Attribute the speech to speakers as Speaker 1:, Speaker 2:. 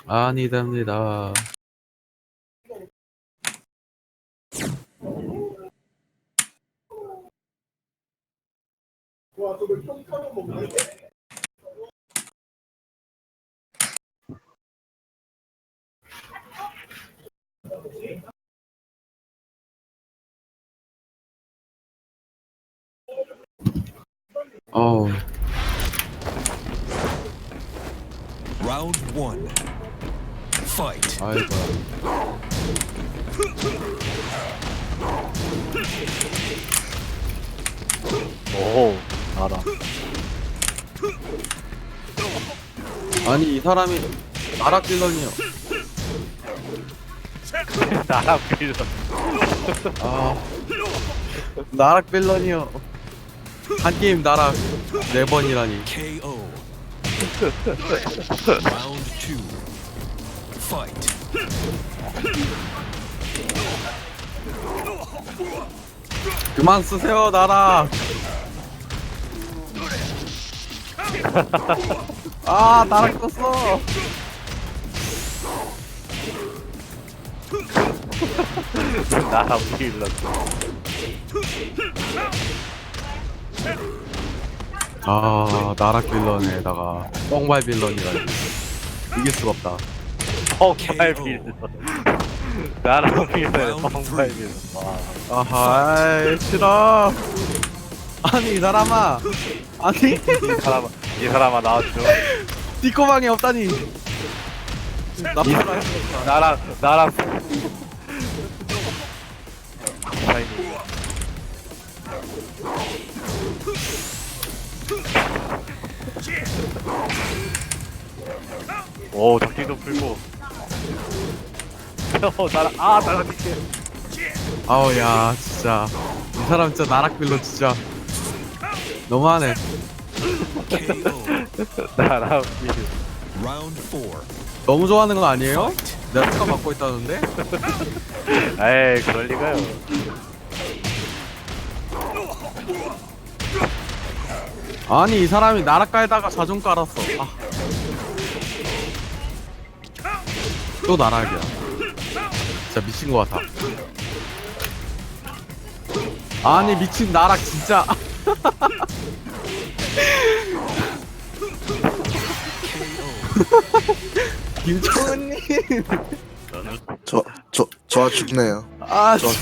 Speaker 1: 아니답니다. 어우,
Speaker 2: Round one. Fight.
Speaker 1: 아이고.
Speaker 3: 오, 알아.
Speaker 1: 아니, 이 사람이 나락 빌런이요.
Speaker 3: 나랑 빌런.
Speaker 1: 아, 나락 빌런이요. 한 게임 나락 4번이라니.
Speaker 2: KO. Round two. Fight.
Speaker 1: 그만 쓰세요, 나락. 아, 나락 떴어.
Speaker 3: 나랑 빌런.
Speaker 1: 아, 나락 빌런에다가 뻥발 빌런이라니. 이길 수가 없다.
Speaker 3: 펑발 빌런. 나랑 빌런, 펑발 빌런. 와.
Speaker 1: 아하, 싫어. 아니, 이 사람아. 아니,
Speaker 3: 이 사람아 나와줘.
Speaker 1: 띠꼬방이 없다니. 나쁘다.
Speaker 3: 나랑 사인이. 오, 적기도 풀고. 나랑 뛸게.
Speaker 1: 아우, 야, 진짜. 이 사람 진짜 나락 빌런 진짜. 너무하네.
Speaker 2: KO.
Speaker 3: 나랑 빌런.
Speaker 2: Round four.
Speaker 1: 너무 좋아하는 거 아니에요? 내가 특허 받고 있다는데?
Speaker 3: 에이, 그럴 리가요.
Speaker 1: 아니, 이 사람이 나락 깔다가 자존 깔았어. 아. 또 나락이야. 진짜 미친 거 같아. 아니, 미친 나락 진짜. 김정은님.
Speaker 4: 저 죽네요.
Speaker 1: 아,
Speaker 4: 저